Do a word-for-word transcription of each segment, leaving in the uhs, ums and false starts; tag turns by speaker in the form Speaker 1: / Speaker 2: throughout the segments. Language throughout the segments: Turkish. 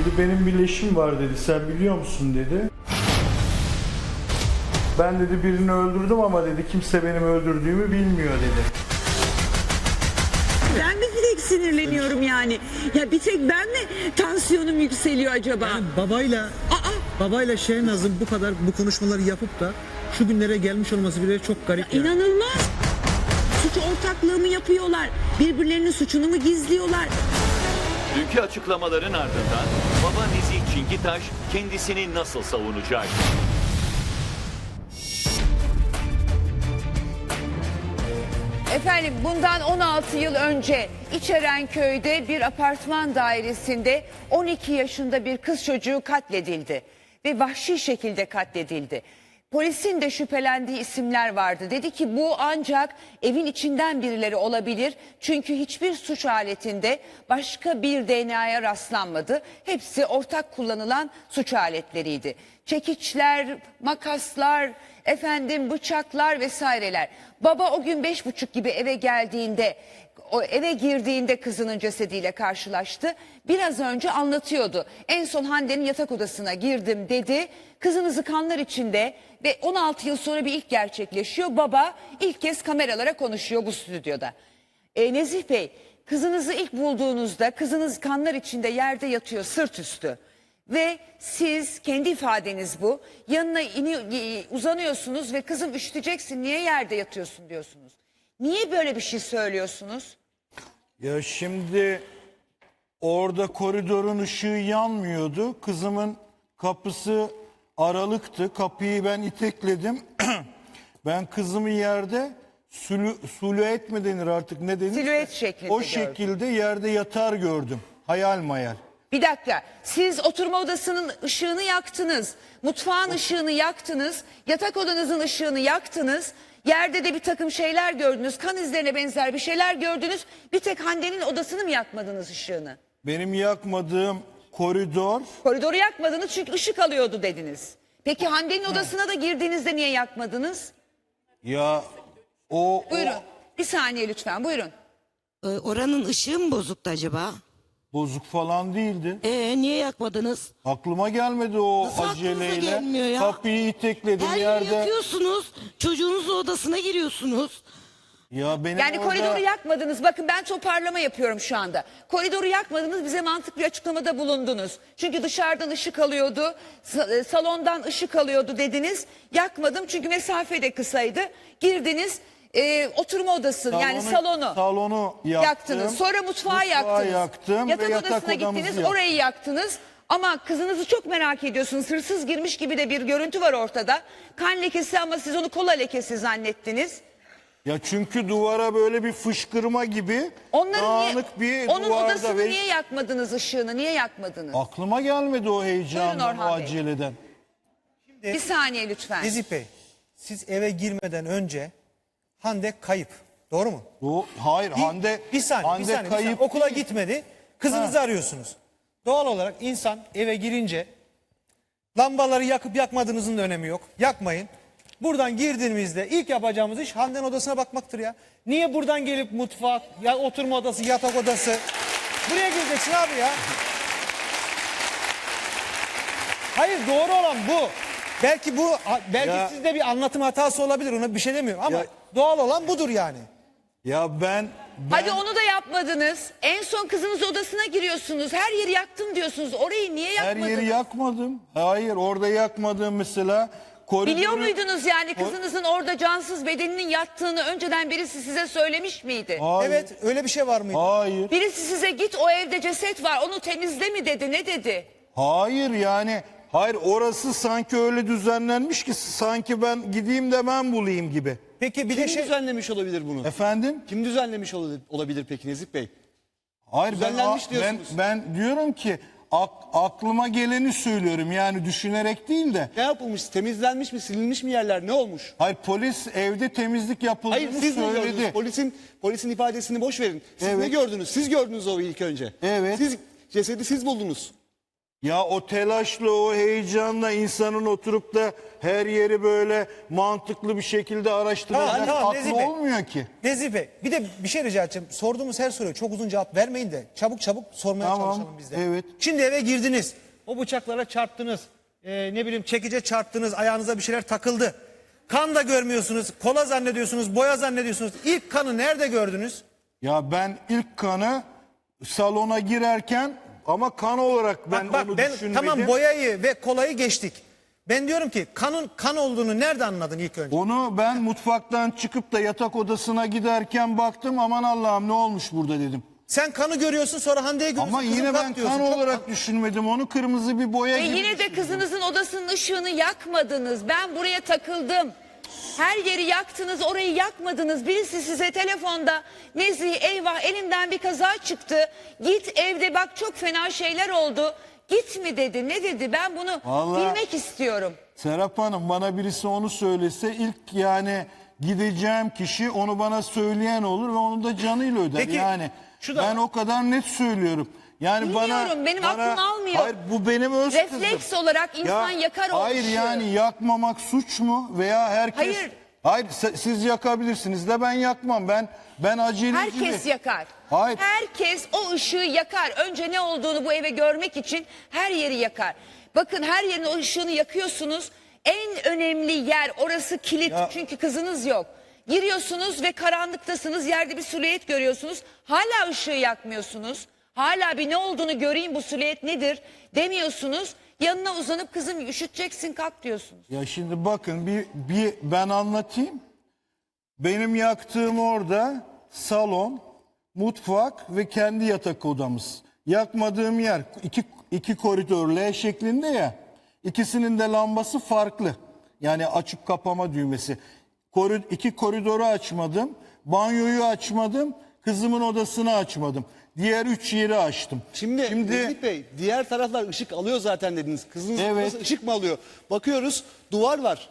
Speaker 1: Dedi benim bir leşim var dedi. Sen biliyor musun dedi. Ben dedi birini öldürdüm ama dedi kimse benim öldürdüğümü bilmiyor dedi.
Speaker 2: Ben mi direkt sinirleniyorum yani? Ya bir tek ben mi tansiyonum yükseliyor acaba?
Speaker 3: Yani babayla
Speaker 2: Aa,
Speaker 3: babayla Şehnaz'ın bu kadar bu konuşmaları yapıp da şu günlere gelmiş olması bile çok garip. Yani.
Speaker 2: inanılmaz. Suç ortaklığı mı yapıyorlar? Birbirlerinin suçunu mu gizliyorlar?
Speaker 4: Dünkü açıklamaların ardından baba Nezih Çingitaş kendisini nasıl savunacak?
Speaker 2: Efendim bundan on altı yıl önce İçerenköy'de bir apartman dairesinde on iki yaşında bir kız çocuğu katledildi ve vahşi şekilde katledildi. Polisin de şüphelendiği isimler vardı. Dedi ki bu ancak evin içinden birileri olabilir. Çünkü hiçbir suç aletinde başka bir D N A'ya rastlanmadı. Hepsi ortak kullanılan suç aletleriydi. Çekiçler, makaslar, efendim bıçaklar vesaireler. Baba o gün beş buçuk gibi eve geldiğinde, o eve girdiğinde kızının cesediyle karşılaştı. Biraz önce anlatıyordu. En son Hande'nin yatak odasına girdim dedi. Kızınızı kanlar içinde ve on altı yıl sonra bir ilk gerçekleşiyor. Baba ilk kez kameralara konuşuyor bu stüdyoda. E, Nezih Bey, kızınızı ilk bulduğunuzda kızınız kanlar içinde yerde yatıyor sırt üstü. Ve siz kendi ifadeniz bu. Yanına ini, uzanıyorsunuz ve kızım üşüteceksin niye yerde yatıyorsun diyorsunuz. Niye böyle bir şey söylüyorsunuz?
Speaker 1: Ya şimdi orada koridorun ışığı yanmıyordu. Kızımın kapısı aralıktı. Kapıyı ben itekledim. Ben kızımı yerde sülü, silüet mi denir artık ne denir?
Speaker 2: Silüet şeklinde
Speaker 1: O
Speaker 2: gördüm.
Speaker 1: şekilde yerde yatar gördüm. Hayal mayal.
Speaker 2: Bir dakika, siz oturma odasının ışığını yaktınız, mutfağın ışığını yaktınız, yatak odanızın ışığını yaktınız, yerde de bir takım şeyler gördünüz, kan izlerine benzer bir şeyler gördünüz, bir tek Hande'nin odasını mı yakmadınız ışığını?
Speaker 1: Benim yakmadığım koridor.
Speaker 2: Koridoru yakmadınız çünkü ışık alıyordu dediniz. Peki Hande'nin odasına da girdiğinizde niye yakmadınız?
Speaker 1: Ya o...
Speaker 2: Buyurun,
Speaker 1: o
Speaker 2: bir saniye lütfen, buyurun.
Speaker 5: Ee, Oranın ışığı mı bozuktu acaba?
Speaker 1: bozuk falan değildi.
Speaker 5: Ee, niye yakmadınız?
Speaker 1: Aklıma gelmedi o
Speaker 5: Nasıl aklınıza
Speaker 1: aceleyle.
Speaker 5: gelmiyor ya?
Speaker 1: Kapıyı itekledim
Speaker 5: Her yeri
Speaker 1: yerde.
Speaker 5: yakıyorsunuz. Çocuğunuzun odasına giriyorsunuz.
Speaker 1: Ya benim
Speaker 2: Yani
Speaker 1: orada...
Speaker 2: koridoru yakmadınız. Bakın ben toparlama yapıyorum şu anda. Koridoru yakmadınız, bize mantıklı bir açıklamada bulundunuz. Çünkü dışarıdan ışık alıyordu, sa- salondan ışık alıyordu dediniz. Yakmadım çünkü mesafe de kısaydı. Girdiniz, e, oturma odası yani salonu
Speaker 1: Salonu yaktım.
Speaker 2: yaktınız. Sonra mutfağı,
Speaker 1: Mutfağı
Speaker 2: yaktınız.
Speaker 1: yaktım
Speaker 2: yatak
Speaker 1: ve yatak
Speaker 2: odasına
Speaker 1: odamızı
Speaker 2: gittiniz,
Speaker 1: yaktım.
Speaker 2: orayı yaktınız. Ama kızınızı çok merak ediyorsunuz. Hırsız girmiş gibi de bir görüntü var ortada. Kan lekesi ama siz onu kola lekesi zannettiniz.
Speaker 1: Ya çünkü duvara böyle bir fışkırma gibi
Speaker 2: Onların
Speaker 1: dağınık
Speaker 2: niye,
Speaker 1: bir
Speaker 2: onun
Speaker 1: duvarda
Speaker 2: odasını
Speaker 1: ve
Speaker 2: niye yakmadınız ışığını? Niye yakmadınız?
Speaker 1: aklıma gelmedi o
Speaker 2: Buyurun
Speaker 1: heyecandan, o
Speaker 2: Orhan Bey.
Speaker 1: aceleden.
Speaker 2: Bir saniye lütfen.
Speaker 6: Nezih Bey, siz eve girmeden önce Hande kayıp. Doğru mu?
Speaker 1: O, hayır
Speaker 6: Bir,
Speaker 1: Hande,
Speaker 6: bir saniye,
Speaker 1: Hande
Speaker 6: bir saniye, bir
Speaker 1: kayıp
Speaker 6: saniye. Okula
Speaker 1: değil.
Speaker 6: gitmedi. Kızınızı arıyorsunuz. Doğal olarak insan eve girince lambaları yakıp yakmadığınızın da önemi yok. Yakmayın. Buradan girdiğimizde ilk yapacağımız iş Hande'nin odasına bakmaktır ya. Niye buradan gelip mutfak, ya oturma odası, yatak odası? Buraya gireceksin abi ya. Hayır, doğru olan bu. Belki bu belki
Speaker 1: Ya-
Speaker 6: sizde bir anlatım hatası olabilir, ona bir şey demiyorum ama
Speaker 1: Ya-
Speaker 6: doğal olan budur yani.
Speaker 1: Ya ben, ben
Speaker 2: Hadi onu da yapmadınız. En son kızınız odasına giriyorsunuz. Her yeri yaktım diyorsunuz. Orayı niye
Speaker 1: her
Speaker 2: yakmadınız?
Speaker 1: yeri yakmadım. Hayır, orada yakmadım mesela. Koridoru,
Speaker 2: Biliyor muydunuz yani kızınızın orada cansız bedeninin yattığını önceden birisi size söylemiş miydi?
Speaker 1: Hayır.
Speaker 6: Evet, öyle bir şey var mıydı?
Speaker 1: Hayır.
Speaker 2: Birisi size git o evde ceset var onu temizle mi dedi, ne dedi?
Speaker 1: Hayır yani. Hayır, orası sanki öyle düzenlenmiş ki sanki ben gideyim de ben bulayım gibi.
Speaker 6: Peki bir
Speaker 7: Kim
Speaker 6: de şey
Speaker 7: düzenlemiş olabilir bunu?
Speaker 1: Efendim?
Speaker 7: Kim düzenlemiş olabilir, olabilir peki Nezih Bey?
Speaker 1: Hayır, ben,
Speaker 7: Düzenlenmiş
Speaker 1: ben,
Speaker 7: diyorsunuz.
Speaker 1: ben diyorum ki ak- aklıma geleni söylüyorum yani düşünerek değil de.
Speaker 7: Ne yapılmış? Temizlenmiş mi? Silinmiş mi yerler? Ne olmuş?
Speaker 1: Hayır, polis evde temizlik yapıldığını
Speaker 7: Hayır siz ne
Speaker 1: söyledi.
Speaker 7: gördünüz? Polisin polisin ifadesini boş verin. Siz
Speaker 1: Evet.
Speaker 7: ne gördünüz? Siz gördünüz o ilk önce.
Speaker 1: Evet.
Speaker 7: Siz cesedi siz buldunuz.
Speaker 1: Ya o telaşla, o heyecanla insanın oturup da her yeri böyle mantıklı bir şekilde
Speaker 6: Tamam,
Speaker 1: araştıracak
Speaker 6: tamam, Nezih
Speaker 1: aklı
Speaker 6: Bey.
Speaker 1: olmuyor ki.
Speaker 6: Nezih Bey bir de bir şey rica edeceğim. Sorduğumuz her soruya çok uzun cevap vermeyin de çabuk çabuk sormaya
Speaker 1: Tamam,
Speaker 6: çalışalım biz de.
Speaker 1: evet.
Speaker 6: Şimdi eve girdiniz. O bıçaklara çarptınız. Ee, ne bileyim çekice çarptınız. Ayağınıza bir şeyler takıldı. Kan da görmüyorsunuz. Kola zannediyorsunuz. Boya zannediyorsunuz. İlk kanı nerede gördünüz?
Speaker 1: Ya ben ilk kanı salona girerken ama kan olarak ben
Speaker 6: Bak bak
Speaker 1: onu
Speaker 6: ben
Speaker 1: düşünmedim.
Speaker 6: tamam boyayı ve kolayı geçtik. Ben diyorum ki kanın kan olduğunu nerede anladın ilk önce?
Speaker 1: Onu ben mutfaktan çıkıp da yatak odasına giderken baktım, aman Allah'ım ne olmuş burada dedim.
Speaker 6: Sen kanı görüyorsun sonra Hande'ye görüyorsun.
Speaker 1: Ama
Speaker 6: kızım
Speaker 1: yine
Speaker 6: kalk
Speaker 1: ben
Speaker 6: diyorsun.
Speaker 1: kan
Speaker 6: Çok-
Speaker 1: olarak düşünmedim onu, kırmızı bir boya
Speaker 2: Ve
Speaker 1: gibi.
Speaker 2: yine de kızınızın odasının ışığını yakmadınız. Ben buraya takıldım. Her yeri yaktınız, orayı yakmadınız. Birisi size telefonda Nezih eyvah elimden bir kaza çıktı. Git evde bak çok fena şeyler oldu. Git mi dedi, ne dedi? Ben bunu
Speaker 1: Vallahi-
Speaker 2: bilmek istiyorum.
Speaker 1: Serap Hanım, bana birisi onu söylese ilk yani gideceğim kişi onu bana söyleyen olur ve onu da canıyla öder.
Speaker 6: Peki,
Speaker 1: yani
Speaker 6: şu da
Speaker 1: ben o kadar net söylüyorum. Yani bana,
Speaker 2: Bilmiyorum, benim
Speaker 1: bana-
Speaker 2: aklım almıyor.
Speaker 1: Hayır, bu benim öz
Speaker 2: Refleks
Speaker 1: kızım.
Speaker 2: olarak insan yakar o
Speaker 1: Hayır
Speaker 2: ışığı.
Speaker 1: yani yakmamak suç mu veya herkes?
Speaker 2: Hayır.
Speaker 1: Hayır, se- siz yakabilirsiniz de ben yakmam. Ben ben aceleci.
Speaker 2: Herkes
Speaker 1: de-
Speaker 2: yakar.
Speaker 1: Hayır.
Speaker 2: Herkes o ışığı yakar. Önce ne olduğunu bu eve görmek için her yeri yakar. Bakın her yerin o ışığını yakıyorsunuz. En önemli yer orası kilit.
Speaker 1: Ya-
Speaker 2: Çünkü kızınız yok. Giriyorsunuz ve karanlıktasınız. Yerde bir silüet görüyorsunuz. Hala ışığı yakmıyorsunuz. Hala bir ne olduğunu göreyim, bu silüet nedir demiyorsunuz. Yanına uzanıp kızım üşüteceksin kalk diyorsunuz.
Speaker 1: Ya şimdi bakın bir, bir ben anlatayım. Benim yaktığım orada salon, mutfak ve kendi yatak odamız. Yakmadığım yer iki, iki koridor L şeklinde ya. İkisinin de lambası farklı. Yani açıp kapama düğmesi. Korid, iki koridoru açmadım. Banyoyu açmadım. Kızımın odasını açmadım. Diğer üç yeri açtım.
Speaker 7: Şimdi,
Speaker 1: Şimdi
Speaker 7: Nezih Bey diğer taraflar ışık alıyor zaten dediniz. Kızınız
Speaker 1: Evet.
Speaker 7: nasıl ışık mı alıyor? Bakıyoruz duvar var.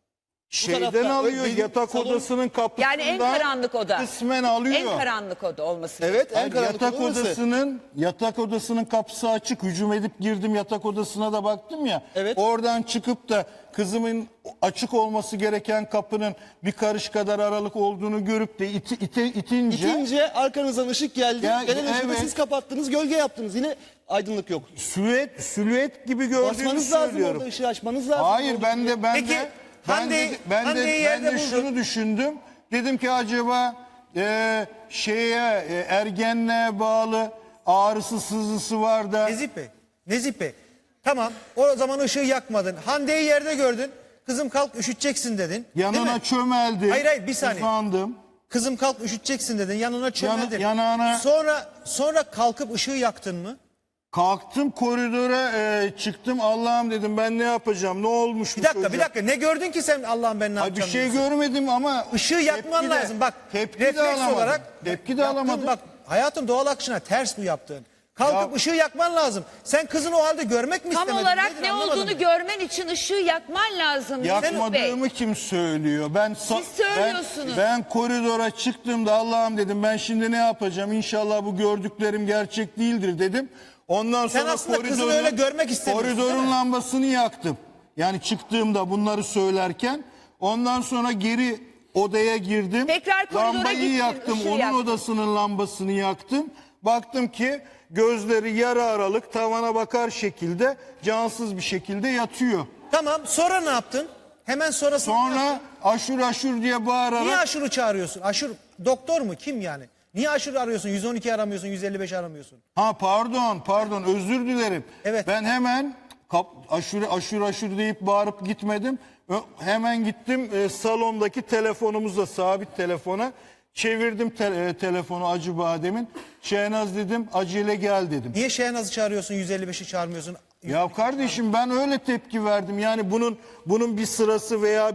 Speaker 1: şeyden
Speaker 7: tarafta,
Speaker 1: alıyor
Speaker 7: benim
Speaker 1: yatak
Speaker 7: salon-
Speaker 1: odasının kapısından.
Speaker 2: Yani en karanlık oda.
Speaker 1: Kısmen alıyor.
Speaker 2: En karanlık oda olması.
Speaker 7: Evet en
Speaker 1: Hayır,
Speaker 7: karanlık
Speaker 1: yatak
Speaker 7: orası.
Speaker 1: odasının yatak odasının kapısı açık. Hücum edip girdim yatak odasına da baktım ya.
Speaker 7: Evet.
Speaker 1: Oradan çıkıp da kızımın açık olması gereken kapının bir karış kadar aralık olduğunu görüp de iti, ite, itince,
Speaker 7: İtince arkanızdan ışık geldi.
Speaker 1: Ya,
Speaker 7: Gelen ışığı da
Speaker 1: evet.
Speaker 7: siz kapattınız, gölge yaptınız. Yine aydınlık yok.
Speaker 1: silüet silüet gibi gördüğümü
Speaker 7: Basmanız lazım
Speaker 1: söylüyorum.
Speaker 7: orada, ışığı açmanız lazım.
Speaker 1: Hayır ben de ben
Speaker 6: Peki,
Speaker 1: de ben
Speaker 6: Hande-
Speaker 1: de ben de,
Speaker 6: Hande'yi
Speaker 1: ben
Speaker 6: yerde
Speaker 1: de
Speaker 6: buldun.
Speaker 1: şunu düşündüm. Dedim ki acaba e, şeye e, ergenliğe bağlı ağrısı sızısı var da
Speaker 6: Nezih Bey, Nezih Bey. Tamam o zaman ışığı yakmadın. Hande'yi yerde gördün. Kızım kalk üşüteceksin dedin. değil
Speaker 1: yanına
Speaker 6: mi?
Speaker 1: çömeldim.
Speaker 6: Hayır, hayır, bir saniye.
Speaker 1: Uzandım.
Speaker 6: Kızım kalk üşüteceksin dedin. Yanına çömeldin.
Speaker 1: yanağına-
Speaker 6: Sonra sonra kalkıp ışığı yaktın mı?
Speaker 1: Kalktım koridora e, çıktım. Allah'ım dedim ben ne yapacağım? Ne olmuş
Speaker 6: Bir
Speaker 1: bu
Speaker 6: dakika
Speaker 1: çocuğa?
Speaker 6: bir dakika ne gördün ki sen Allah'ım ben ne
Speaker 1: Ay, bir
Speaker 6: yapacağım
Speaker 1: şey
Speaker 6: diyorsun.
Speaker 1: görmedim ama
Speaker 6: Işığı yakman
Speaker 1: tepki de-
Speaker 6: lazım. Bak
Speaker 1: tepki de
Speaker 6: refleks
Speaker 1: alamadım.
Speaker 6: olarak
Speaker 1: Tepki de
Speaker 6: yaptığın-
Speaker 1: alamadım.
Speaker 6: Bak hayatım doğal akışına ters bu yaptığın. Kalkıp
Speaker 1: Ya-
Speaker 6: ışığı yakman lazım. Sen kızın o halde görmek mi
Speaker 2: Tam
Speaker 6: istemedin?
Speaker 2: olarak
Speaker 6: Nedir
Speaker 2: ne
Speaker 6: anlamadım
Speaker 2: olduğunu
Speaker 6: ben.
Speaker 2: görmen için ışığı yakman lazım. Mesut Bey.
Speaker 1: Yakmadığımı kim söylüyor? Ben sa-
Speaker 2: Siz söylüyorsunuz.
Speaker 1: Ben, ben koridora çıktığımda Allah'ım dedim ben şimdi ne yapacağım? İnşallah bu gördüklerim gerçek değildir dedim. Ondan
Speaker 6: Sen
Speaker 1: sonra
Speaker 6: aslında kızını
Speaker 1: koridorun-
Speaker 6: öyle görmek istemiyorsun, değil
Speaker 1: Koridorun
Speaker 6: mi?
Speaker 1: lambasını yaktım. Yani çıktığımda bunları söylerken ondan sonra geri odaya girdim.
Speaker 2: Tekrar koridora
Speaker 1: Lambayı
Speaker 2: gittin,
Speaker 1: yaktım.
Speaker 2: ışığı
Speaker 1: Onun
Speaker 2: yaktın.
Speaker 1: odasının lambasını yaktım. Baktım ki gözleri yarı aralık tavana bakar şekilde cansız bir şekilde yatıyor.
Speaker 6: Tamam sonra ne yaptın? Hemen sonrasında ne yaptın?
Speaker 1: Sonra aşur aşur diye bağırarak
Speaker 6: Niye aşırı çağırıyorsun? Aşır doktor mu? Kim yani? Niye aşırı arıyorsun? yüz on iki aramıyorsun, yüz elli beş aramıyorsun.
Speaker 1: ha pardon pardon özür dilerim.
Speaker 6: Evet.
Speaker 1: Ben hemen kap, aşure aşur aşur deyip bağırıp gitmedim. Ö- hemen gittim e, salondaki telefonumuzla sabit telefona çevirdim te- e, telefonu Acı Badem'in. Şehnaz dedim acele gel dedim.
Speaker 6: Niye Şehnaz'ı çağırıyorsun, yüz elli beşi çağırmıyorsun?
Speaker 1: Ya kardeşim ben öyle tepki verdim. Yani bunun bunun bir sırası veya bir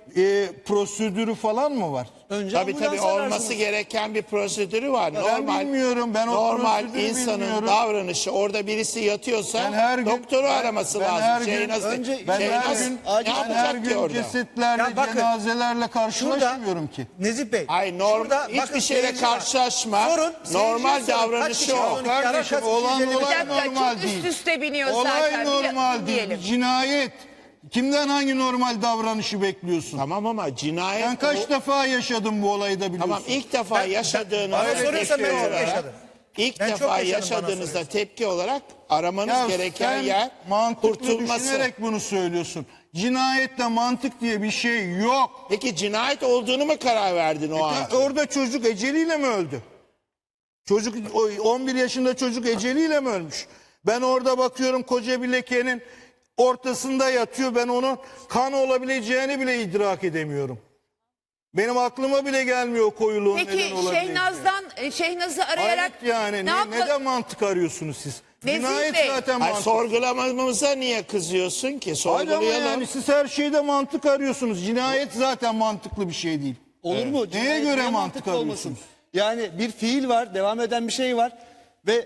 Speaker 1: e, prosedürü falan mı var?
Speaker 7: Önce
Speaker 8: Tabii tabii
Speaker 7: ambulans
Speaker 8: olması
Speaker 7: ararsınız.
Speaker 8: gereken bir prosedürü var.
Speaker 1: Ben
Speaker 8: normal
Speaker 1: bilmiyorum, ben o
Speaker 8: normal
Speaker 1: prosedürü
Speaker 8: insanın
Speaker 1: bilmiyorum.
Speaker 8: davranışı orada birisi yatıyorsa
Speaker 1: Ben her gün-
Speaker 8: doktoru
Speaker 1: ben-
Speaker 8: araması
Speaker 1: ben
Speaker 8: lazım.
Speaker 1: her gün-
Speaker 8: Şey nasıl,
Speaker 7: önce-
Speaker 1: Ben
Speaker 8: şey
Speaker 1: her
Speaker 8: nasıl-
Speaker 1: gün,
Speaker 8: ne
Speaker 1: ben
Speaker 8: yapacak
Speaker 1: her
Speaker 8: ki
Speaker 1: gün
Speaker 8: orada?
Speaker 1: cesetlerle,
Speaker 6: Ya bakın,
Speaker 1: cenazelerle karşılaşmıyorum ki.
Speaker 6: Nezih Bey.
Speaker 8: Hayır normal
Speaker 6: şurada
Speaker 8: hiçbir
Speaker 6: bakın
Speaker 8: şeyle
Speaker 6: seyirci var.
Speaker 8: karşılaşma.
Speaker 6: Sorun,
Speaker 8: normal
Speaker 6: seyirciye sorun. Kaç
Speaker 8: davranışı
Speaker 6: kişi
Speaker 8: o.
Speaker 6: var?
Speaker 1: Kardeşim
Speaker 6: Kaç
Speaker 1: olan
Speaker 6: kişi
Speaker 1: olay
Speaker 2: Bir dakika,
Speaker 1: normal
Speaker 2: çok
Speaker 1: değil.
Speaker 2: üst üste biniyor
Speaker 1: Olay
Speaker 2: zaten. Bir
Speaker 1: normal değil.
Speaker 2: dinleyelim.
Speaker 1: Cinayet. Kimden hangi normal davranışı bekliyorsun?
Speaker 8: Tamam ama cinayet
Speaker 1: Ben kaç
Speaker 8: o-
Speaker 1: defa yaşadım bu olayı da biliyorsun.
Speaker 8: Tamam ilk defa yaşadığınızda
Speaker 6: bana soruyorsan ben
Speaker 8: tepki
Speaker 6: çok
Speaker 8: olarak-
Speaker 6: yaşadım.
Speaker 8: İlk
Speaker 6: Ben çok
Speaker 8: defa
Speaker 6: yaşadım, bana
Speaker 8: yaşadığınızda
Speaker 6: soruyorsun.
Speaker 8: tepki olarak aramanız
Speaker 1: Ya
Speaker 8: gereken
Speaker 1: sen
Speaker 8: yer
Speaker 1: mantıklı
Speaker 8: kurtulması.
Speaker 1: düşünerek bunu söylüyorsun. Cinayette mantık diye bir şey yok.
Speaker 8: Peki cinayet olduğunu mu karar verdin o an?
Speaker 1: Ya orada çocuk eceliyle mi öldü? Çocuk o on bir yaşında çocuk eceliyle mi ölmüş? Ben orada bakıyorum koca bir lekenin ortasında yatıyor. Ben onun kan olabileceğini bile idrak edemiyorum. Benim aklıma bile gelmiyor o koyuluğun neden
Speaker 2: Peki
Speaker 1: olabileceği.
Speaker 2: Şehnaz'dan e, Şehnaz'ı arayarak
Speaker 1: Hayret yani
Speaker 2: ne,
Speaker 1: ne,
Speaker 2: yapma-
Speaker 1: neden mantık arıyorsunuz siz?
Speaker 2: Nezih
Speaker 1: Cinayet
Speaker 2: Bey.
Speaker 1: zaten
Speaker 8: Hayır,
Speaker 1: mantık.
Speaker 8: sorgulamamıza niye kızıyorsun ki?
Speaker 1: Hayır ama
Speaker 8: Sorgulayalım.
Speaker 1: yani siz her şeyde mantık arıyorsunuz. Cinayet zaten mantıklı bir şey değil.
Speaker 7: Olur mu? Cinayet
Speaker 1: göre
Speaker 7: niye
Speaker 1: mantık
Speaker 7: mantıklı
Speaker 1: arıyorsunuz?
Speaker 7: Yani bir fiil var, devam eden bir şey var ve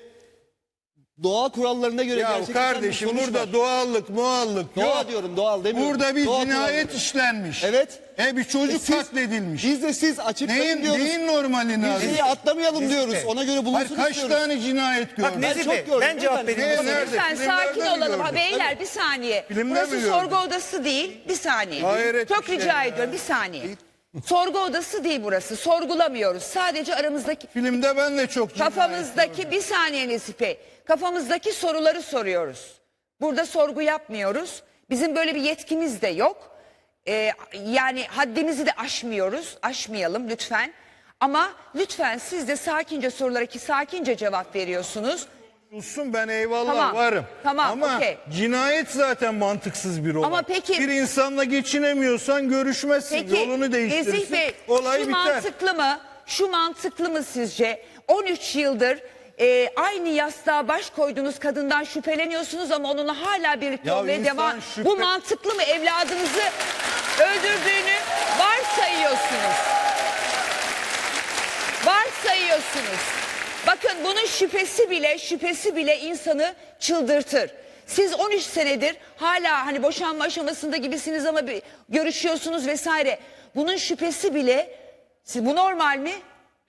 Speaker 7: doğa kurallarına göre
Speaker 1: Ya
Speaker 7: gerçekleşen bir
Speaker 1: kardeşim
Speaker 7: sonuç
Speaker 1: burada
Speaker 7: var.
Speaker 1: doğallık muallık
Speaker 7: Doğa
Speaker 1: yok.
Speaker 7: diyorum, doğal demiyorum.
Speaker 1: Burada bir
Speaker 7: Doğa
Speaker 1: cinayet
Speaker 7: kuralları.
Speaker 1: işlenmiş.
Speaker 7: Evet.
Speaker 1: E bir çocuk
Speaker 7: E siz-
Speaker 1: katledilmiş.
Speaker 7: Biz de siz açıklayın
Speaker 1: neyin,
Speaker 7: diyoruz.
Speaker 1: neyin normalini
Speaker 7: Bir
Speaker 1: arıyorsunuz?
Speaker 7: şeyi atlamayalım
Speaker 6: Nezih
Speaker 7: diyoruz.
Speaker 6: Bey.
Speaker 7: Ona göre
Speaker 1: Hayır,
Speaker 7: bulunsun
Speaker 1: kaç
Speaker 7: istiyoruz.
Speaker 1: tane cinayet
Speaker 6: Bak
Speaker 1: gördün?
Speaker 6: Nezih
Speaker 7: çok
Speaker 6: Bey
Speaker 7: gördüm,
Speaker 6: ben cevap
Speaker 7: efendim.
Speaker 6: vereyim.
Speaker 1: Ne, nerede?
Speaker 2: Lütfen
Speaker 1: Filmlerde
Speaker 2: sakin
Speaker 1: mi
Speaker 2: olalım. Ha,
Speaker 1: gördün?
Speaker 2: beyler bir saniye.
Speaker 1: Filmde
Speaker 2: Burası
Speaker 1: mi gördün?
Speaker 2: sorgu odası değil. Bir saniye.
Speaker 1: Hayret
Speaker 2: Çok
Speaker 1: bir şey
Speaker 2: rica
Speaker 1: ya.
Speaker 2: ediyorum bir saniye. Sorgu odası değil burası. Sorgulamıyoruz. Sadece aramızdaki
Speaker 1: Filmde ben de çok cinayet
Speaker 2: kafamızdaki bir saniye Nezih Bey. Kafamızdaki soruları soruyoruz. Burada sorgu yapmıyoruz. Bizim böyle bir yetkimiz de yok. Ee, yani haddimizi de aşmıyoruz. Aşmayalım lütfen. Ama lütfen siz de sakince sorulara ki sakince cevap veriyorsunuz.
Speaker 1: Olsun ben eyvallah
Speaker 2: Tamam,
Speaker 1: varım.
Speaker 2: tamam,
Speaker 1: Ama
Speaker 2: okey.
Speaker 1: cinayet zaten mantıksız bir olay.
Speaker 2: Ama peki-
Speaker 1: Bir insanla geçinemiyorsan görüşmezsin.
Speaker 2: Peki
Speaker 1: Yolunu değiştirirsin.
Speaker 2: Nezih Bey
Speaker 1: olay
Speaker 2: şu
Speaker 1: biter.
Speaker 2: mantıklı mı? Şu mantıklı mı sizce? on üç yıldır e, aynı yastığa baş koyduğunuz kadından şüpheleniyorsunuz ama onunla hala birlikte
Speaker 1: Ya
Speaker 2: olmaya
Speaker 1: insan
Speaker 2: devam.
Speaker 1: şüphe-
Speaker 2: Bu mantıklı mı? Evladınızı öldürdüğünü varsayıyorsunuz. Varsayıyorsunuz. Bakın bunun şüphesi bile şüphesi bile insanı çıldırtır. Siz on üç senedir hala hani boşanma aşamasında gibisiniz ama bir görüşüyorsunuz vesaire. Bunun şüphesi bile siz, bu normal mi?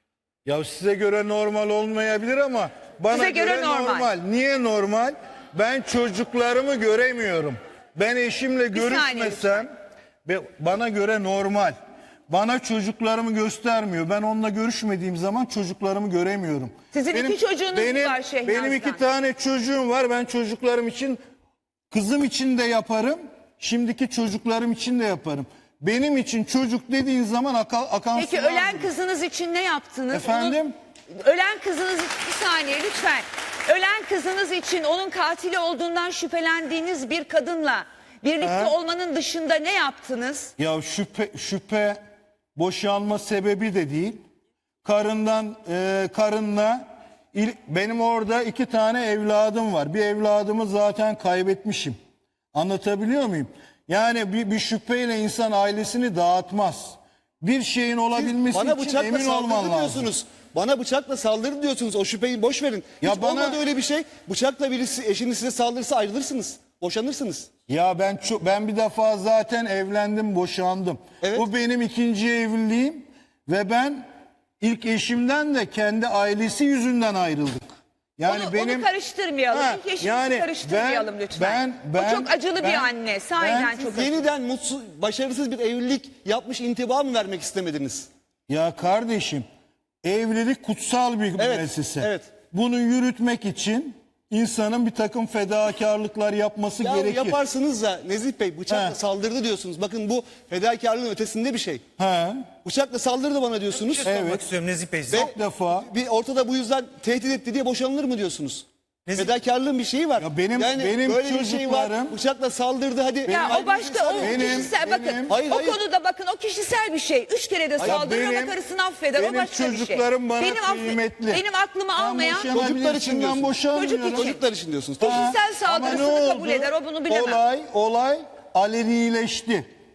Speaker 1: Ya size göre normal olmayabilir ama bana
Speaker 2: Size göre
Speaker 1: göre,
Speaker 2: normal.
Speaker 1: normal. Niye normal? Ben çocuklarımı göremiyorum. Ben eşimle
Speaker 2: Bir saniye
Speaker 1: görüşmesem ve bana göre normal. Bana çocuklarımı göstermiyor. Ben onunla görüşmediğim zaman çocuklarımı göremiyorum.
Speaker 2: Sizin iki çocuğunuz
Speaker 1: benim,
Speaker 2: var Şehnaz'dan.
Speaker 1: Benim iki tane çocuğum var. Ben çocuklarım için, kızım için de yaparım. Şimdiki çocuklarım için de yaparım. Benim için çocuk dediğin zaman akan, akan
Speaker 2: Peki
Speaker 1: sular
Speaker 2: ölen
Speaker 1: gibi.
Speaker 2: kızınız için ne yaptınız?
Speaker 1: Efendim?
Speaker 2: Onun- ölen kızınız için bir saniye lütfen. Ölen kızınız için onun katili olduğundan şüphelendiğiniz bir kadınla birlikte
Speaker 1: Ha?
Speaker 2: olmanın dışında ne yaptınız?
Speaker 1: Ya şüphe, şüphe boşanma sebebi de değil. Karından, e, karınla il- benim orada iki tane evladım var. Bir evladımı zaten kaybetmişim. Anlatabiliyor muyum? Yani bir, bir şüpheyle insan ailesini dağıtmaz. Bir şeyin olabilmesi
Speaker 7: Bana
Speaker 1: için
Speaker 7: bıçakla
Speaker 1: emin olman
Speaker 7: saldırdı
Speaker 1: lazım.
Speaker 7: diyorsunuz. Bana bıçakla saldırdı diyorsunuz. O şüpheyi boş verin.
Speaker 1: Ya
Speaker 7: Hiç
Speaker 1: bana-
Speaker 7: olmadı öyle bir şey. Bıçakla birisi eşiniz size saldırırsa ayrılırsınız. Boşanırsınız.
Speaker 1: Ya ben çok, ben bir defa zaten evlendim, boşandım.
Speaker 7: Evet.
Speaker 1: Bu benim ikinci evliliğim ve ben ilk eşimden de kendi ailesi yüzünden ayrıldık. Yani
Speaker 2: onu,
Speaker 1: benim
Speaker 2: onu karıştırmayalım.
Speaker 1: Ha,
Speaker 2: İlk eşinizi
Speaker 1: yani
Speaker 2: karıştırmayalım
Speaker 1: ben-
Speaker 2: lütfen.
Speaker 1: ben- ben-
Speaker 2: o çok acılı
Speaker 1: ben-
Speaker 2: bir anne. Sahiden
Speaker 1: ben-
Speaker 2: çok acılı.
Speaker 7: Yeniden mutsuz, başarısız bir evlilik yapmış intiba mı vermek istemediniz?
Speaker 1: Ya kardeşim, evlilik kutsal bir
Speaker 7: Evet,
Speaker 1: müessese.
Speaker 7: evet.
Speaker 1: Bunu yürütmek için insanın bir takım fedakarlıklar yapması
Speaker 7: Ya
Speaker 1: gerekir.
Speaker 7: yaparsınız da Nezih Bey bıçakla
Speaker 1: He.
Speaker 7: saldırdı diyorsunuz. Bakın bu fedakarlığın ötesinde bir şey.
Speaker 1: Ha,
Speaker 7: Bıçakla saldırdı bana diyorsunuz.
Speaker 6: Sormak
Speaker 1: Evet.
Speaker 6: istiyorum Nezih Bey size.
Speaker 7: Ve
Speaker 1: çok defa.
Speaker 7: bir ortada bu yüzden tehdit etti diye boşanılır mı diyorsunuz?
Speaker 6: Nezih-
Speaker 7: Fedakarlığın bir şeyi var.
Speaker 1: Ya benim-
Speaker 7: yani
Speaker 1: benim
Speaker 7: böyle bir şey var.
Speaker 1: çocuklarım-
Speaker 7: Bıçakla saldırdı hadi.
Speaker 2: Ya o başka o
Speaker 1: Benim-
Speaker 2: kişisel bakın
Speaker 1: benim-
Speaker 7: Hayır,
Speaker 2: o
Speaker 7: hayır.
Speaker 2: konuda bakın o kişisel bir şey. Üç kere de saldırır ama
Speaker 1: benim-
Speaker 2: karısını affeder.
Speaker 1: benim
Speaker 2: o başka bir şey.
Speaker 1: çocuklarım bana
Speaker 2: benim, affe-
Speaker 1: kıymetli.
Speaker 2: benim aklımı
Speaker 1: Ben
Speaker 2: almayan
Speaker 1: boşanabilirsin,
Speaker 7: Çocuklar için
Speaker 1: ben
Speaker 7: diyorsun.
Speaker 1: boşanmıyorum.
Speaker 2: Çocuk için.
Speaker 7: Çocuklar için diyorsunuz.
Speaker 2: Kişisel
Speaker 1: Ama
Speaker 2: saldırısını
Speaker 1: ne
Speaker 2: kabul
Speaker 1: oldu?
Speaker 2: eder. O bunu bilemem.
Speaker 1: Olay, olay alenileşti.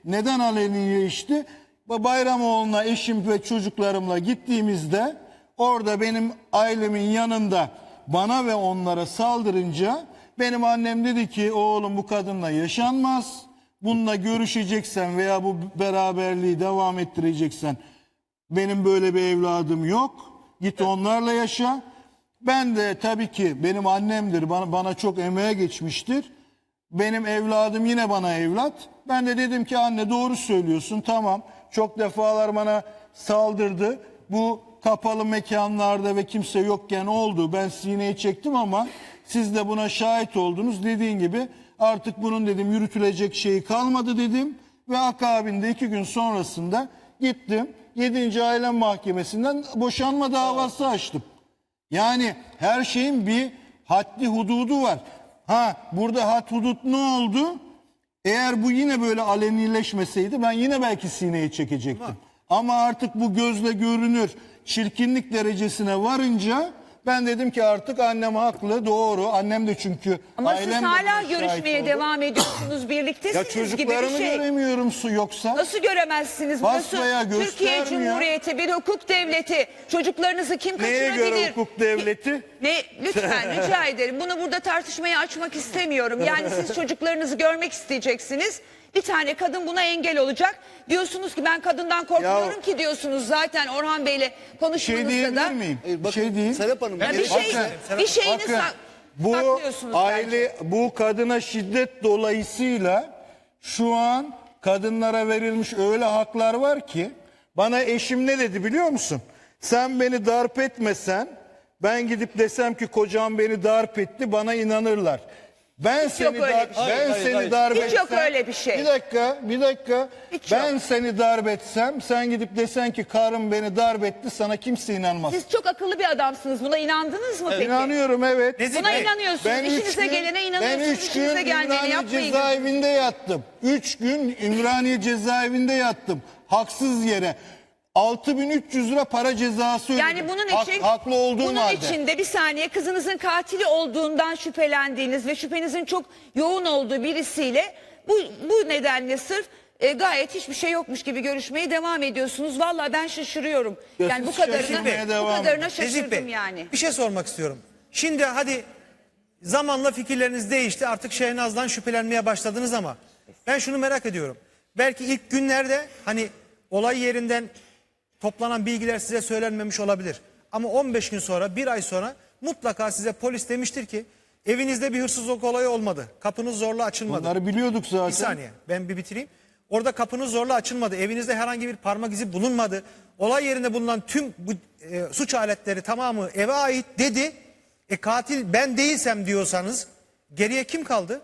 Speaker 1: Neden alenileşti? Bayramoğlu'na eşim ve çocuklarımla gittiğimizde orada benim ailemin yanında bana ve onlara saldırınca benim annem dedi ki oğlum bu kadınla yaşanmaz. Bununla görüşeceksen veya bu beraberliği devam ettireceksen benim böyle bir evladım yok. Git onlarla yaşa. Ben de tabii ki benim annemdir. Bana, bana çok emeğe geçmiştir. Benim evladım yine bana evlat. Ben de dedim ki anne doğru söylüyorsun tamam. Çok defalar bana saldırdı. Bu kapalı mekanlarda ve kimse yokken oldu. Ben sineye çektim ama siz de buna şahit oldunuz. Dediğin gibi artık bunun dedim yürütülecek şeyi kalmadı dedim. Ve akabinde iki gün sonrasında gittim. yedinci Aile Mahkemesi'nden boşanma davası açtım. Yani her şeyin bir haddi hududu var. Ha burada had hudut ne oldu? Eğer bu yine böyle alenileşmeseydi ben yine belki sineye çekecektim. Ama artık bu gözle görünür çirkinlik derecesine varınca ben dedim ki artık annem haklı, doğru. Annem de çünkü
Speaker 2: Ama
Speaker 1: ailem
Speaker 2: siz
Speaker 1: de
Speaker 2: hala
Speaker 1: buna şahit
Speaker 2: görüşmeye
Speaker 1: oldu.
Speaker 2: devam ediyorsunuz, birliktesiniz
Speaker 1: Ya
Speaker 2: gibi bir
Speaker 1: çocuklarımı
Speaker 2: şey.
Speaker 1: göremiyorum su yoksa.
Speaker 2: Nasıl göremezsiniz? Burası
Speaker 1: Basmaya
Speaker 2: Türkiye
Speaker 1: göstermiyor.
Speaker 2: Cumhuriyeti, bir hukuk devleti. Çocuklarınızı kim
Speaker 1: Neye
Speaker 2: kaçırabilir?
Speaker 1: göre hukuk devleti?
Speaker 2: Ne? Lütfen rica ederim. Bunu burada tartışmaya açmak istemiyorum. Yani siz çocuklarınızı görmek isteyeceksiniz. Bir tane kadın buna engel olacak. Diyorsunuz ki ben kadından korkmuyorum
Speaker 1: Ya-
Speaker 2: ki diyorsunuz zaten Orhan Bey'le
Speaker 1: Bir şey
Speaker 2: konuşmanızda
Speaker 1: diyebilir
Speaker 2: da.
Speaker 1: miyim?
Speaker 7: Hayır,
Speaker 1: Bir
Speaker 7: bakın,
Speaker 1: şey diyeyim.
Speaker 7: Serap Hanım,
Speaker 2: Ya
Speaker 7: ben
Speaker 2: bir şey,
Speaker 1: Bakın,
Speaker 2: bir şeyini
Speaker 1: bakın,
Speaker 2: sak-
Speaker 1: bu
Speaker 2: saklıyorsunuz bence.
Speaker 1: aile bu kadına şiddet dolayısıyla şu an kadınlara verilmiş öyle haklar var ki bana eşim ne dedi biliyor musun? Sen beni darp etmesen ben gidip desem ki kocam beni darp etti bana inanırlar. Ben
Speaker 2: Hiç yok
Speaker 1: seni
Speaker 2: öyle
Speaker 1: darp
Speaker 2: bir şey.
Speaker 1: ben
Speaker 7: Hayır,
Speaker 1: seni
Speaker 7: hayır.
Speaker 1: darp
Speaker 2: Hiç
Speaker 1: etsem
Speaker 2: yok öyle bir şey.
Speaker 1: Bir dakika, bir dakika.
Speaker 2: Hiç
Speaker 1: ben
Speaker 2: yok.
Speaker 1: seni darp etsem sen gidip desen ki karım beni darp etti sana kimse inanmaz.
Speaker 2: Siz çok akıllı bir adamsınız. Buna inandınız mı peki?
Speaker 1: İnanıyorum evet.
Speaker 6: Nezih
Speaker 2: Buna
Speaker 6: Bey,
Speaker 2: inanıyorsunuz.
Speaker 1: Ben üç
Speaker 2: İşinize
Speaker 1: gün-
Speaker 2: gelene inanıyorsunuz.
Speaker 1: Ben üç gün
Speaker 2: İşinize gelmeyene
Speaker 1: Ümraniye
Speaker 2: yapmayın.
Speaker 1: cezaevinde yattım. Üç gün Ümraniye cezaevinde yattım. Haksız yere. altı bin üç yüz lira para cezası ödedim.
Speaker 2: Yani bunun
Speaker 1: Hak-
Speaker 2: için
Speaker 1: haklı olduğum
Speaker 2: bunun
Speaker 1: halde.
Speaker 2: için de bir saniye kızınızın katili olduğundan şüphelendiğiniz ve şüphenizin çok yoğun olduğu birisiyle bu bu nedenle sırf e, gayet hiçbir şey yokmuş gibi görüşmeye devam ediyorsunuz. Vallahi ben şaşırıyorum.
Speaker 1: Ya
Speaker 2: Yani bu
Speaker 1: siz
Speaker 2: kadarına
Speaker 1: şaşırmaya
Speaker 2: bu
Speaker 1: devam
Speaker 2: kadarına
Speaker 1: edin.
Speaker 6: Nezih
Speaker 2: şaşırdım
Speaker 6: Bey,
Speaker 2: yani.
Speaker 6: bir şey sormak istiyorum. Şimdi hadi zamanla fikirleriniz değişti. Artık Şehnaz'dan şüphelenmeye başladınız ama ben şunu merak ediyorum. Belki ilk günlerde hani olay yerinden toplanan bilgiler size söylenmemiş olabilir. Ama on beş gün sonra, bir ay sonra mutlaka size polis demiştir ki evinizde bir hırsızlık olayı olmadı. Kapınız zorla açılmadı.
Speaker 1: Bunları biliyorduk zaten.
Speaker 6: Bir saniye ben bir bitireyim. Orada kapınız zorla açılmadı. Evinizde herhangi bir parmak izi bulunmadı. Olay yerinde bulunan tüm bu e, suç aletleri tamamı eve ait dedi. E katil ben değilsem diyorsanız geriye kim kaldı?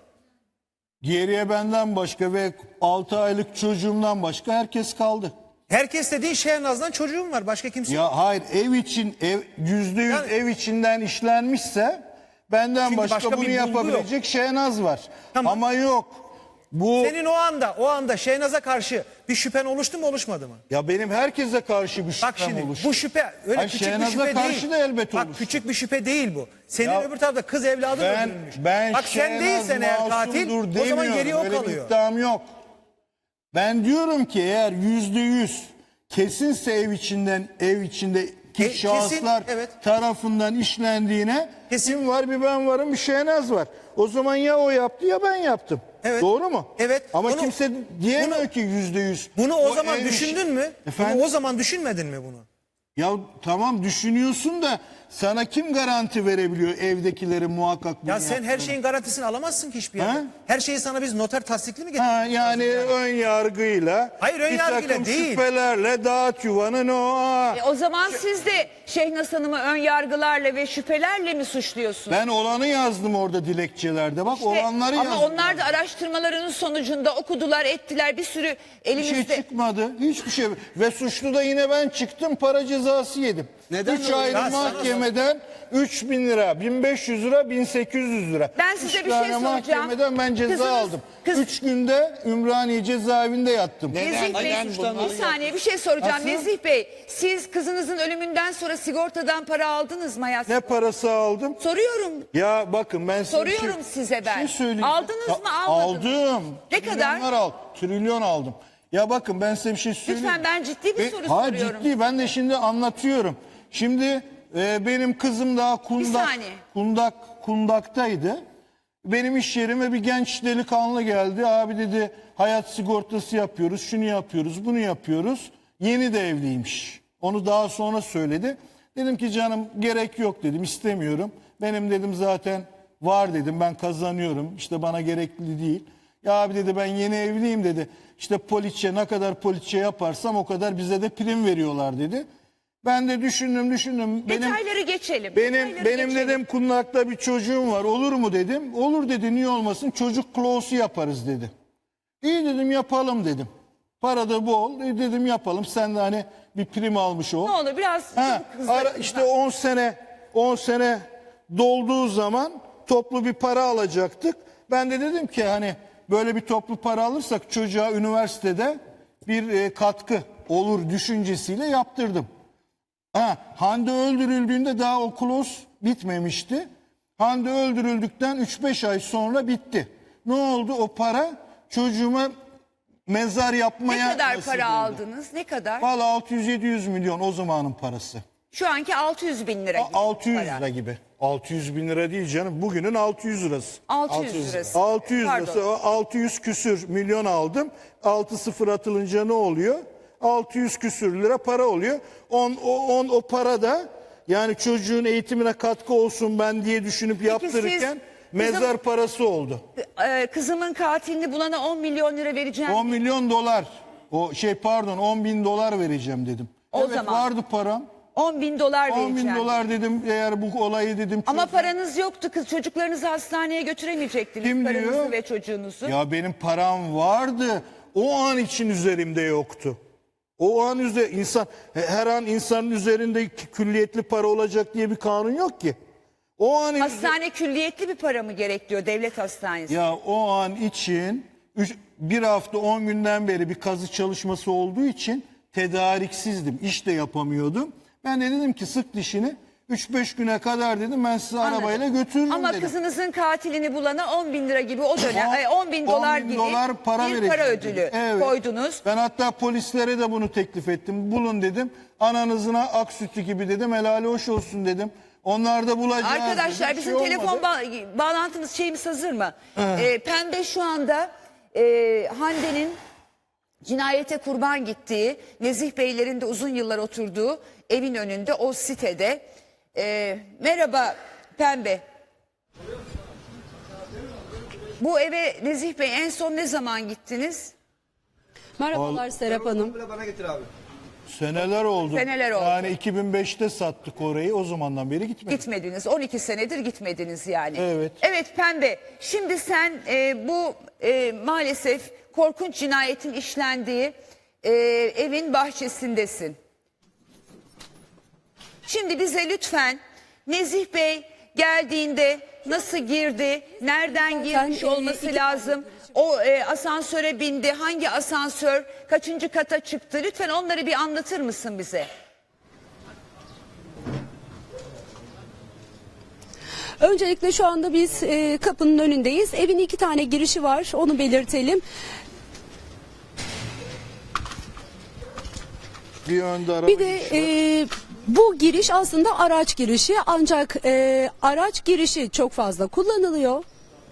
Speaker 1: Geriye benden başka ve altı aylık çocuğumdan başka herkes kaldı.
Speaker 6: Herkes dediğin Şehnaz'dan çocuğum var. Başka kimse yok.
Speaker 1: Ya hayır ev için ev yüzde yüz
Speaker 6: Yani-
Speaker 1: ev içinden işlenmişse benden
Speaker 6: Çünkü
Speaker 1: başka,
Speaker 6: başka bir
Speaker 1: bunu
Speaker 6: bulgu
Speaker 1: yapabilecek Şehnaz var.
Speaker 6: Tamam.
Speaker 1: Ama yok. Bu
Speaker 6: Senin o anda o anda Şehnaz'a karşı bir şüphen oluştu mu oluşmadı mı?
Speaker 1: ya benim herkese karşı bir şüphem
Speaker 6: Bak şimdi
Speaker 1: oluştu.
Speaker 6: bu şüphe öyle
Speaker 1: Hayır,
Speaker 6: küçük bir
Speaker 1: Şehnaz'a
Speaker 6: şüphe
Speaker 1: karşı
Speaker 6: değil.
Speaker 1: da elbet
Speaker 6: Bak
Speaker 1: oluştu.
Speaker 6: küçük bir şüphe değil bu. Senin
Speaker 1: Ya
Speaker 6: öbür tarafta kız evladın
Speaker 1: ben
Speaker 6: öldürülmüş.
Speaker 1: ben
Speaker 6: Bak sen
Speaker 1: Şehnaz
Speaker 6: değilsen eğer katil
Speaker 1: masumdur
Speaker 6: o zaman
Speaker 1: demiyorum.
Speaker 6: geriye o
Speaker 1: Öyle bir
Speaker 6: kalıyor.
Speaker 1: iddiam yok. Ben diyorum ki eğer yüzde yüz kesinse ev içinden ev içindeki
Speaker 6: E, kesin,
Speaker 1: şahıslar
Speaker 6: evet.
Speaker 1: tarafından işlendiğine
Speaker 6: Kesin.
Speaker 1: kim var bir ben varım bir Şehnaz var. O zaman ya o yaptı ya ben yaptım.
Speaker 6: Evet.
Speaker 1: Doğru mu?
Speaker 6: Evet.
Speaker 1: Ama
Speaker 6: Bunu-
Speaker 1: kimse diyemiyor
Speaker 6: bunu-
Speaker 1: ki yüzde yüz.
Speaker 6: Bunu o, zaman
Speaker 1: ev işi-
Speaker 6: düşündün mü?
Speaker 1: Efendim?
Speaker 6: Bunu o zaman düşünmedin mi bunu?
Speaker 1: Ya tamam düşünüyorsun da sana kim garanti verebiliyor evdekileri muhakkak bunu
Speaker 6: Ya sen her
Speaker 1: yaptığını?
Speaker 6: şeyin garantisini alamazsın ki hiçbir yerde.
Speaker 1: Ha?
Speaker 6: Her şeyi sana biz noter tasdikli mi
Speaker 1: Ha,
Speaker 6: getirdik?
Speaker 1: yani ön yargıyla,
Speaker 6: Hayır, ön
Speaker 1: bir
Speaker 6: yargıyla
Speaker 1: takım
Speaker 6: değil.
Speaker 1: şüphelerle dağıt yuvanın o. aa.
Speaker 2: E, o zaman siz de Şehnaz Hanım'ı ön yargılarla ve şüphelerle mi suçluyorsunuz?
Speaker 1: Ben olanı yazdım orada dilekçelerde. Bak
Speaker 2: İşte,
Speaker 1: olanları
Speaker 2: ama
Speaker 1: yazdım.
Speaker 2: onlar da araştırmalarının sonucunda okudular, ettiler, bir sürü
Speaker 1: Bir
Speaker 2: elimizde.
Speaker 1: şey çıkmadı. Hiçbir şey. Ve suçlu da yine ben çıktım para cezası yedim.
Speaker 7: Neden
Speaker 1: Üç
Speaker 7: öyle?
Speaker 1: ayrı
Speaker 6: Ya sana-
Speaker 1: mahkemeden üç bin lira, bin beş yüz lira, bin sekiz yüz lira.
Speaker 2: Ben size
Speaker 1: Üç
Speaker 2: bir şey
Speaker 1: tane
Speaker 2: soracağım.
Speaker 1: mahkemeden ben ceza
Speaker 2: Kızınız-
Speaker 1: aldım.
Speaker 2: kız-
Speaker 1: üç günde Ümraniye cezaevinde yattım.
Speaker 8: Neden?
Speaker 2: Nezih Bey,
Speaker 8: Neden bunu?
Speaker 2: bir saniye bir şey soracağım.
Speaker 1: Nasıl?
Speaker 2: Nezih Bey, siz kızınızın ölümünden sonra sigortadan para aldınız mı hayat?
Speaker 1: Ne parası aldım?
Speaker 2: Soruyorum.
Speaker 1: Ya bakın ben size bir
Speaker 2: Soruyorum
Speaker 1: şey,
Speaker 2: size ben.
Speaker 1: bir şey söyleyeyim.
Speaker 2: Aldınız
Speaker 1: Ya,
Speaker 2: mı, almadınız mı?
Speaker 1: Aldım.
Speaker 2: Ne kadar?
Speaker 1: Trilyonlar al, trilyon aldım. Ya bakın ben size bir şey söyleyeyim.
Speaker 2: Lütfen, ben ciddi bir soru
Speaker 1: ha,
Speaker 2: soruyorum.
Speaker 1: Ciddi, ben de şimdi anlatıyorum. Şimdi e, benim kızım daha kundak,
Speaker 2: saniye.
Speaker 1: kundak, kundaktaydı. Benim iş yerime bir genç delikanlı geldi. Abi dedi hayat sigortası yapıyoruz, şunu yapıyoruz, bunu yapıyoruz. Yeni de evliymiş. Onu daha sonra söyledi. Dedim ki canım gerek yok dedim, istemiyorum. Benim dedim zaten var dedim, ben kazanıyorum. İşte bana gerekli değil. Ya abi dedi ben yeni evliyim dedi. İşte poliçe, ne kadar poliçe yaparsam o kadar bize de prim veriyorlar dedi. Ben de düşündüm düşündüm. Benim,
Speaker 2: Detayları geçelim.
Speaker 1: benim
Speaker 2: detayları
Speaker 1: benim
Speaker 2: geçelim.
Speaker 1: dedim kundakta bir çocuğum var, olur mu dedim. Olur dedi, niye olmasın, çocuk klosu yaparız dedi. İyi dedim, yapalım dedim. Para da bol, e dedim yapalım, sen de hani bir prim almış ol.
Speaker 2: Ne olur biraz
Speaker 1: Ha,
Speaker 2: hızlı-
Speaker 1: ara, işte on sene on sene dolduğu zaman toplu bir para alacaktık. Ben de dedim ki hani böyle bir toplu para alırsak çocuğa üniversitede bir e, katkı olur düşüncesiyle yaptırdım. Ha, Hande öldürüldüğünde daha o kloz bitmemişti. Hande öldürüldükten üç beş ay sonra bitti. Ne oldu? O para çocuğuma mezar yapmaya
Speaker 2: Ne kadar
Speaker 1: nasip
Speaker 2: para
Speaker 1: oldu.
Speaker 2: aldınız? Ne kadar?
Speaker 1: Vallahi altı yüz yedi yüz milyon o zamanın parası.
Speaker 2: Şu anki altı yüz bin lira gibi.
Speaker 1: altı yüz
Speaker 2: para.
Speaker 1: lira gibi. altı yüz bin lira değil canım. Bugünün altı yüz lirası.
Speaker 2: altı yüz lirası.
Speaker 1: altı yüz
Speaker 2: Pardon.
Speaker 1: lirası. O altı yüz küsür milyon aldım. altı sıfır atılınca ne oluyor? altı yüz küsür lira para oluyor. on o, on, o para da yani çocuğun eğitimine katkı olsun ben diye düşünüp yaptırırken
Speaker 2: siz-
Speaker 1: mezar
Speaker 2: bizim-
Speaker 1: parası oldu.
Speaker 2: Ee, kızımın katilini bulana on milyon lira vereceğim.
Speaker 1: on milyon dolar. O şey pardon on bin dolar vereceğim dedim.
Speaker 2: O
Speaker 1: evet
Speaker 2: zaman.
Speaker 1: vardı param.
Speaker 2: on bin dolar
Speaker 1: on
Speaker 2: vereceğim.
Speaker 1: bin dolar dedim eğer bu olayı dedim.
Speaker 2: Ama
Speaker 1: çözün.
Speaker 2: paranız yoktu kız. Çocuklarınızı hastaneye götüremeyecektiniz.
Speaker 1: Kim
Speaker 2: karınızı
Speaker 1: diyor?
Speaker 2: ve çocuğunuzu.
Speaker 1: Ya benim param vardı. O an için üzerimde yoktu. O an üzerinde insan her an insanın üzerinde külliyetli para olacak diye bir kanun yok ki. O an
Speaker 2: Hastane külliyetli bir para mı gerekiyor devlet hastanesi?
Speaker 1: ya o an için üç- bir hafta on günden beri bir kazı çalışması olduğu için tedariksizdim. İş de yapamıyordum. Ben de dedim ki sık dişini üç beş güne kadar dedim ben sizi
Speaker 2: Anladım.
Speaker 1: arabayla götürürüm
Speaker 2: Ama
Speaker 1: dedim.
Speaker 2: kızınızın katilini bulana on bin lira gibi o dönem, ay, on bin dolar
Speaker 1: on bin
Speaker 2: gibi
Speaker 1: dolar para
Speaker 2: bir
Speaker 1: vereceğim
Speaker 2: para
Speaker 1: dedim.
Speaker 2: ödülü
Speaker 1: Evet.
Speaker 2: koydunuz.
Speaker 1: Ben hatta polislere de bunu teklif ettim. Bulun dedim. Ananızına ak sütü gibi dedim. Helali hoş olsun dedim. Onlar da bulacağız
Speaker 2: Arkadaşlar
Speaker 1: dedim.
Speaker 2: bizim
Speaker 1: Şey
Speaker 2: telefon
Speaker 1: olmadı.
Speaker 2: ba- bağlantımız şeyimiz hazır mı? Ee, Pembe şu anda e, Hande'nin cinayete kurban gittiği, Nezih Beylerin de uzun yıllar oturduğu evin önünde o sitede. Ee, merhaba Pembe. Bu eve Nezih Bey en son ne zaman gittiniz?
Speaker 9: Merhabalar Serap Hanım.
Speaker 1: Seneler oldu.
Speaker 2: Seneler oldu.
Speaker 1: Yani iki bin beşte sattık orayı. O zamandan beri gitmedik.
Speaker 2: Gitmediniz. on iki senedir gitmediniz yani.
Speaker 1: Evet.
Speaker 2: Evet Pembe. Şimdi sen e, bu e, maalesef korkunç cinayetin işlendiği e, evin bahçesindesin. Şimdi bize lütfen Nezih Bey geldiğinde nasıl girdi, nereden girmiş
Speaker 9: e,
Speaker 2: olması
Speaker 9: iki-
Speaker 2: lazım, o e, asansöre bindi, hangi asansör, kaçıncı kata çıktı, lütfen onları bir anlatır mısın bize?
Speaker 9: Öncelikle şu anda biz e, kapının önündeyiz. Evin iki tane girişi var, onu belirtelim.
Speaker 1: Bir önde araba
Speaker 9: Bir de
Speaker 1: girişi var.
Speaker 9: e, bu giriş aslında araç girişi, ancak e, araç girişi çok fazla kullanılıyor.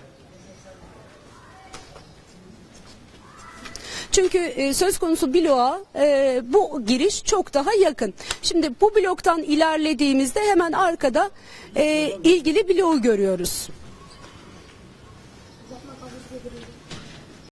Speaker 9: Çünkü e, söz konusu bloğa e, bu giriş çok daha yakın. Şimdi bu bloktan ilerlediğimizde hemen arkada e, ilgili bloğu görüyoruz.